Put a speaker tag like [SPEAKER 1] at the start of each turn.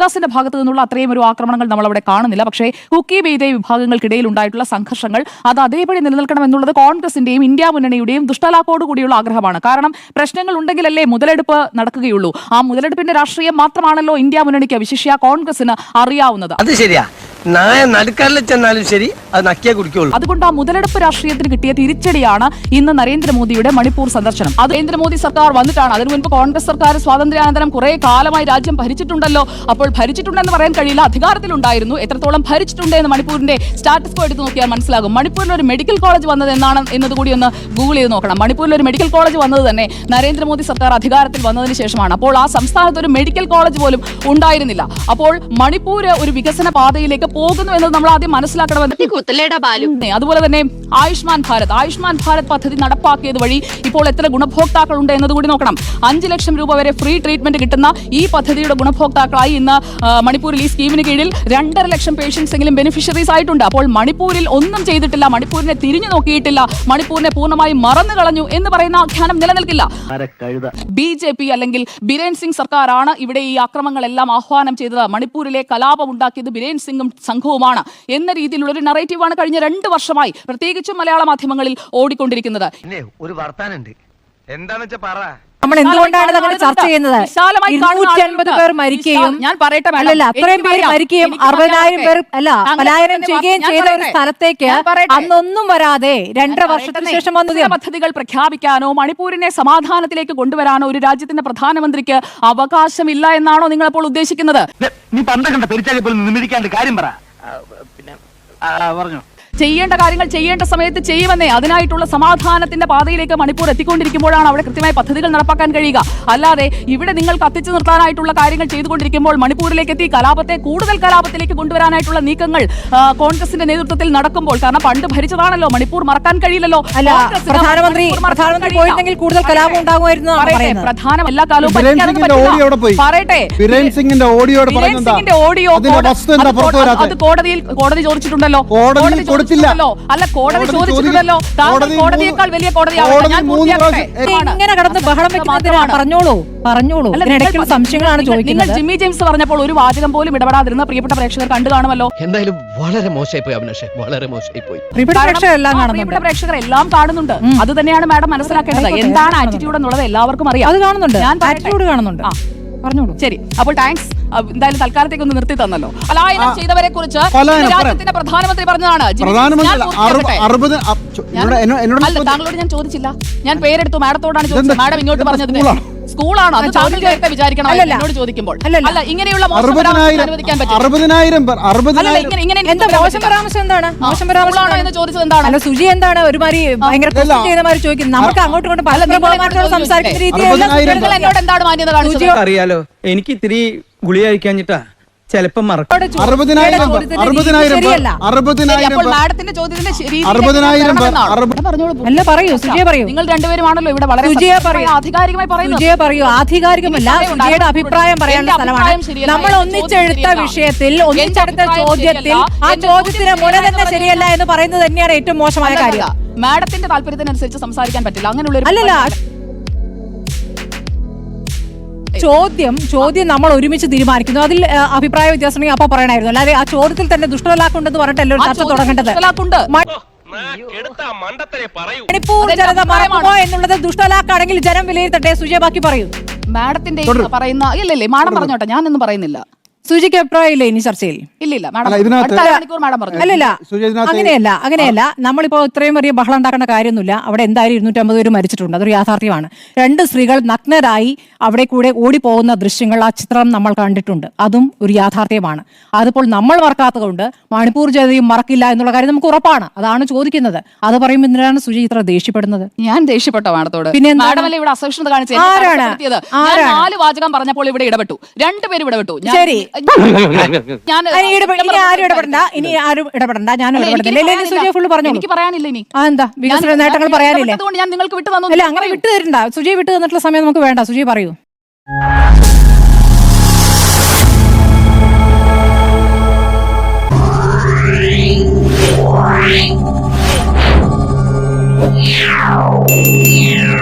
[SPEAKER 1] കോൺഗ്രസിന്റെ ഭാഗത്തു നിന്നുള്ള അത്രയും ഒരു ആക്രമണങ്ങൾ നമ്മൾ അവിടെ കാണുന്നില്ല. പക്ഷേ കുക്കി ബെയ്തേ വിഭാഗങ്ങൾക്കിടയിൽ ഉണ്ടായിട്ടുള്ള സംഘർഷങ്ങൾ അത് അതേപടി നിലനിൽക്കണം എന്നുള്ളത് കോൺഗ്രസിന്റെയും ഇന്ത്യ മുന്നണിയുടെയും ദുഷ്ടലാക്കോടുകൂടിയുള്ള ആഗ്രഹമാണ്. കാരണം പ്രശ്നങ്ങൾ ഉണ്ടെങ്കിലല്ലേ മുതലെടുപ്പ് നടക്കുകയുള്ളൂ. ആ മുതലെടുപ്പിന്റെ രാഷ്ട്രീയം മാത്രമാണല്ലോ ഇന്ത്യ മുന്നണിക്ക്, വിശിഷ്യ കോൺഗ്രസിന് അറിയാവുന്നത്.
[SPEAKER 2] അത് ശരിയാ, നടുക്കാരിൽ ചെന്നാലും ശരി, അത് നക്കിയേ കുടിക്കുള്ളൂ.
[SPEAKER 1] അതുകൊണ്ട് ആ മുതലെടുപ്പ് രാഷ്ട്രീയത്തിന് കിട്ടിയ തിരിച്ചടിയാണ് ഇന്ന് നരേന്ദ്രമോദിയുടെ മണിപ്പൂർ സന്ദർശനം. അത് നരേന്ദ്രമോദി സർക്കാർ വന്നിട്ടാണ്. അതിനു മുൻപ് കോൺഗ്രസ് സർക്കാർ സ്വാതന്ത്ര്യാനന്തരം കുറെ കാലമായി രാജ്യം ഭരിച്ചിട്ടുണ്ടല്ലോ. അപ്പോൾ ഭരിച്ചിട്ടുണ്ടെന്ന് പറയാൻ കഴിയില്ല, അധികാരത്തിലുണ്ടായിരുന്നു. എത്രത്തോളം ഭരിച്ചിട്ടുണ്ട് എന്ന് മണിപ്പൂരിന്റെ സ്റ്റാറ്റസ് എടുത്ത് നോക്കിയാൽ മനസ്സിലാകും. മണിപ്പൂരിൽ ഒരു മെഡിക്കൽ കോളേജ് വന്നത് എന്നാണ് എന്നതുകൂടി ഒന്ന് ഗൂഗിൾ ചെയ്ത് നോക്കണം. മണിപ്പൂരിൽ ഒരു മെഡിക്കൽ കോളേജ് വന്നത് തന്നെ നരേന്ദ്രമോദി സർക്കാർ അധികാരത്തിൽ വന്നതിന് ശേഷമാണ്. അപ്പോൾ ആ സംസ്ഥാനത്ത് ഒരു മെഡിക്കൽ കോളേജ് പോലും ഉണ്ടായിരുന്നില്ല. അപ്പോൾ മണിപ്പൂർ ഒരു വികസന പാതയിലേക്ക് പോകുന്നു എന്നത് നമ്മൾ ആദ്യം മനസ്സിലാക്കണമെന്ന്. അതുപോലെ തന്നെ ആയുഷ്മാൻ ഭാരത് പദ്ധതി നടപ്പാക്കിയത് വഴി ഇപ്പോൾ എത്ര ഗുണഭോക്താക്കളുണ്ട് എന്നതുകൂടി നോക്കണം. 5 ലക്ഷം രൂപ വരെ ഫ്രീ ട്രീറ്റ്മെന്റ് കിട്ടുന്ന ഈ പദ്ധതിയുടെ ഗുണഭോക്താക്കളായി ഇന്ന് മണിപ്പൂരിൽ ഈ സ്കീമിന് കീഴിൽ 2.5 ലക്ഷം പേഷ്യൻസ് എങ്കിലും ബെനിഫിഷ്യറീസ് ആയിട്ടുണ്ട്. അപ്പോൾ മണിപ്പൂരിൽ ഒന്നും ചെയ്തിട്ടില്ല, മണിപ്പൂരിനെ തിരിഞ്ഞു നോക്കിയിട്ടില്ല, മണിപ്പൂരിനെ പൂർണ്ണമായി മറന്നു കളഞ്ഞു എന്ന് പറയുന്ന ആഖ്യാനം നിലനിൽക്കില്ല. BJP അല്ലെങ്കിൽ ബിരേൻ സിംഗ് സർക്കാരാണ് ഇവിടെ ഈ ആക്രമണങ്ങളെല്ലാം ആഹ്വാനം ചെയ്തത്. മണിപ്പൂരിലെ കലാപം ഉണ്ടാക്കിയത് ബിരേൻ സിംഗും സംഘവുമാണ് എന്ന രീതിയിലുള്ള ഒരു നറേറ്റീവാണ് കഴിഞ്ഞ 2 വർഷമായി പ്രത്യേകിച്ചും മലയാള മാധ്യമങ്ങളിൽ ഓടിക്കൊണ്ടിരിക്കുന്നത്.
[SPEAKER 2] ഒരു വർത്താനുണ്ട്, എന്താണെന്ന് വെച്ചാൽ പറ.
[SPEAKER 3] നമ്മൾ എന്തുകൊണ്ടാണ് അങ്ങനെ ചർച്ച ചെയ്യുന്നത്? 250 പേർ മരിക്കുകയും അത്രയും പേര് മരിക്കുകയും 60,000 പേർ പലായനം ചെയ്യുകയും ചെയ്ത ഒരു സ്ഥലത്തേക്ക് അന്നൊന്നും വരാതെ 2.5 വർഷത്തിന് ശേഷം വന്ന
[SPEAKER 1] പദ്ധതികൾ പ്രഖ്യാപിക്കാനോ മണിപ്പൂരിനെ സമാധാനത്തിലേക്ക് കൊണ്ടുവരാനോ ഒരു രാജ്യത്തിന്റെ പ്രധാനമന്ത്രിക്ക് അവകാശമില്ല എന്നാണോ നിങ്ങൾ അപ്പോൾ ഉദ്ദേശിക്കുന്നത്?
[SPEAKER 4] നീ പണ്ടകണ്ട പെരിച്ചാലിപ്പോൾ കാര്യം പറ. പറഞ്ഞു
[SPEAKER 1] ചെയ്യേണ്ട കാര്യങ്ങൾ ചെയ്യേണ്ട സമയത്ത് ചെയ്യുമെന്നേ. അതിനായിട്ടുള്ള സമാധാനത്തിന്റെ പാതയിലേക്ക് മണിപ്പൂർ എത്തിക്കൊണ്ടിരിക്കുമ്പോഴാണ് അവിടെ കൃത്യമായ പദ്ധതികൾ നടപ്പാക്കാൻ കഴിയുക. അല്ലാതെ ഇവിടെ നിങ്ങൾ കത്തിച്ചു നിർത്താനായിട്ടുള്ള കാര്യങ്ങൾ ചെയ്തുകൊണ്ടിരിക്കുമ്പോൾ മണിപ്പൂരിലേക്ക് എത്തി കൂടുതൽ കലാപത്തിലേക്ക് കൊണ്ടുവരാനായിട്ടുള്ള നീക്കങ്ങൾ കോൺഗ്രസിന്റെ നേതൃത്വത്തിൽ നടക്കുമ്പോൾ, കാരണം പണ്ട് ഭരിച്ചതാണല്ലോ, മണിപ്പൂർ മറക്കാൻ കഴിയില്ലല്ലോ.
[SPEAKER 3] പ്രധാനമന്ത്രി പോയിരുന്നെങ്കിൽ കൂടുതൽ കലാപം ഉണ്ടാകുമായിരുന്നു.
[SPEAKER 1] പ്രധാനം എല്ലാ കാലവും പറയട്ടെ, ഓഡിയോ അത് കോടതി ചോദിച്ചിട്ടുണ്ടല്ലോ. അല്ല, കോടതി ചോദിച്ചിട്ടുണ്ടല്ലോ. കോടതിയേക്കാൾ വലിയ
[SPEAKER 3] ഇങ്ങനെ കടന്ന് ബഹളം വെക്കുന്നതിനാണ്. പറഞ്ഞോളൂ. സംശയങ്ങളാണ് ചോദിക്കുന്നത്.
[SPEAKER 1] നിങ്ങൾ ജിമ്മി ജെയിംസ് പറഞ്ഞപ്പോൾ ഒരു വാചകം പോലും ഇടപെടാതിരുന്ന പ്രിയപ്പെട്ട പ്രേക്ഷകർ കണ്ടു കാണുമല്ലോ.
[SPEAKER 2] എന്തായാലും വളരെ മോശമായി പോയി അഭിലാഷേ, വളരെ മോശമായി പോയി.
[SPEAKER 1] പ്രിയപ്പെട്ട പ്രേക്ഷകർ എല്ലാം കാണുന്നുണ്ട്. അത് തന്നെയാണ് മാഡം മനസ്സിലാക്കേണ്ടത്. എന്താണ് ആറ്റിറ്റ്യൂഡ് എന്നുള്ളത് എല്ലാവർക്കും അറിയാം.
[SPEAKER 3] അത് കാണുന്നുണ്ട്, ആറ്റിറ്റ്യൂഡ് കാണുന്നുണ്ട്. പറഞ്ഞോളൂ.
[SPEAKER 1] ശരി, അപ്പോൾ താങ്ക്സ്. എന്തായാലും തൽക്കാലത്തേക്ക് ഒന്ന് നിർത്തി തന്നല്ലോ. പലായനം ചെയ്തവരെ കുറിച്ച് രാജ്യത്തിന്റെ പ്രധാനമന്ത്രി പറഞ്ഞതാണ്. താങ്കളോട് ഞാൻ ചോദിച്ചില്ല, ഞാൻ പേരെടുത്തു, മാഡത്തോടാണ് ചോദിച്ചത്. മാഡം ഇങ്ങോട്ട് പറഞ്ഞത് സ്കൂളാണോ? അത് താങ്കൾ നേരത്തെ വിചാരിക്കണം എന്നോട് ചോദിക്കുമ്പോൾ. അല്ല, ഇങ്ങനെയുള്ള മോശം പരാമർശം അനുവദിക്കാൻ പറ്റില്ല.
[SPEAKER 3] മോശം പരാമർശം എന്താണ്? മോശം പരാമർശം
[SPEAKER 1] എന്ന് ചോദിച്ചത് എന്താണ്?
[SPEAKER 3] അല്ല, സുജി എന്താണ് ഒരുമാതിരി ഭയങ്കര ചോദിക്കുന്നത്? നമുക്ക് അങ്ങോട്ടും ഇങ്ങോട്ടും പല സംസാരിക്കുന്ന രീതിയിൽ
[SPEAKER 1] എന്നോട് എന്താണ് മാന്യത കാണിച്ചത്?
[SPEAKER 4] അറിയാലോ, എനിക്ക് ഇത്തിരി ഗുളിക കഴിക്കാഞ്ഞിട്ടാ ചിലപ്പോ മറക്കും.
[SPEAKER 3] അല്ല, പറയൂ സുജിയെ, പറയൂ.
[SPEAKER 1] നിങ്ങൾ രണ്ടുപേരുമാണല്ലോ ഇവിടെ വളരെ ആധികാരികമായി
[SPEAKER 3] പറയൂ. ആധികാരികമല്ല, സുജിയുടെ അഭിപ്രായം പറയാനുള്ള സ്ഥലമാണ്. നമ്മൾ ഒന്നിച്ചെടുത്ത വിഷയത്തിൽ, ഒന്നിച്ചെടുത്ത ചോദ്യത്തിൽ ആ ചോദ്യത്തിന് മുന തന്നെ ശരിയല്ല എന്ന് പറയുന്നത് തന്നെയാണ് ഏറ്റവും മോശമായ കാര്യം.
[SPEAKER 1] മാഡത്തിന്റെ താല്പര്യത്തിനനുസരിച്ച് സംസാരിക്കാൻ പറ്റില്ല. അങ്ങനെയുള്ള
[SPEAKER 3] അല്ലല്ല, ചോദ്യം നമ്മൾ ഒരുമിച്ച് തീരുമാനിക്കുന്നു. അതിൽ അഭിപ്രായ വ്യത്യാസം അപ്പൊ പറയണമായിരുന്നു. അല്ലാതെ ആ ചോദ്യത്തിൽ തന്നെ ദുഷ്ടലാക്കുണ്ടെന്ന് പറഞ്ഞിട്ടല്ലോ ചർച്ച തുടങ്ങേണ്ടത്. മണിപ്പൂർ ജനത മറക്കുമോ എന്നുള്ളത് ദുഷ്ടലാക്കാണെങ്കിൽ ജനം വിലയിരുത്തട്ടെ. സുജയ ബാക്കി പറയൂ.
[SPEAKER 1] മാഡത്തിന്റെ പറയുന്ന ഇല്ലല്ലേ, മാഡം പറഞ്ഞോട്ടെ, ഞാനൊന്നും പറയുന്നില്ല.
[SPEAKER 3] സുജിക്ക് അഭിപ്രായമില്ല ഇനി ചർച്ചയിൽ?
[SPEAKER 1] ഇല്ല,
[SPEAKER 3] അങ്ങനെയല്ല. നമ്മളിപ്പോ ഇത്രയും വലിയ ബഹളം ഉണ്ടാക്കേണ്ട കാര്യമൊന്നുമില്ല. അവിടെ എന്തായാലും 250 പേര് മരിച്ചിട്ടുണ്ട്, അതൊരു യാഥാർത്ഥ്യമാണ്. 2 സ്ത്രീകൾ നഗ്നരായി അവിടെ കൂടെ ഓടിപ്പോകുന്ന ദൃശ്യങ്ങൾ, ആ ചിത്രം നമ്മൾ കണ്ടിട്ടുണ്ട്. അതും ഒരു യാഥാർത്ഥ്യമാണ്. അതിപ്പോൾ നമ്മൾ മറക്കാത്തതുകൊണ്ട് മണിപ്പൂർ ജനതയും മറക്കില്ല എന്നുള്ള കാര്യം നമുക്ക് ഉറപ്പാണ്. അതാണ് ചോദിക്കുന്നത്. അത് പറയുമ്പോൾ എന്തിനാണ് സുജി ഇത്ര ദേഷ്യപ്പെടുന്നത്?
[SPEAKER 1] ഞാൻ ദേഷ്യപ്പെട്ടോ മാഡത്തോട്?
[SPEAKER 3] പിന്നെ
[SPEAKER 1] ഇവിടെ അസഹിഷ്ണുത കാണിച്ചത്? 4 വാചകം പറഞ്ഞപ്പോൾ ഇവിടെ ഇടപെട്ടു, 2 പേരും ഇടപെട്ടു.
[SPEAKER 3] ശരി, ഇനി ആരും ഇടപെടണ്ട. ഞാൻ സുജയ ഫുള്ള് പറഞ്ഞു.
[SPEAKER 1] എനിക്ക് പറയാനില്ല ഇനി.
[SPEAKER 3] എന്താ വികസന നേട്ടങ്ങൾ പറയാനില്ലേ?
[SPEAKER 1] ഞാൻ നിങ്ങൾക്ക് വിട്ടു തന്നു.
[SPEAKER 3] അല്ല, അങ്ങനെ വിട്ടു തരണ്ട. സുജയ വിട്ടു തന്നിട്ടുള്ള സമയം നമുക്ക് വേണ്ട. സുജയ പറയൂ.
[SPEAKER 5] Yeah.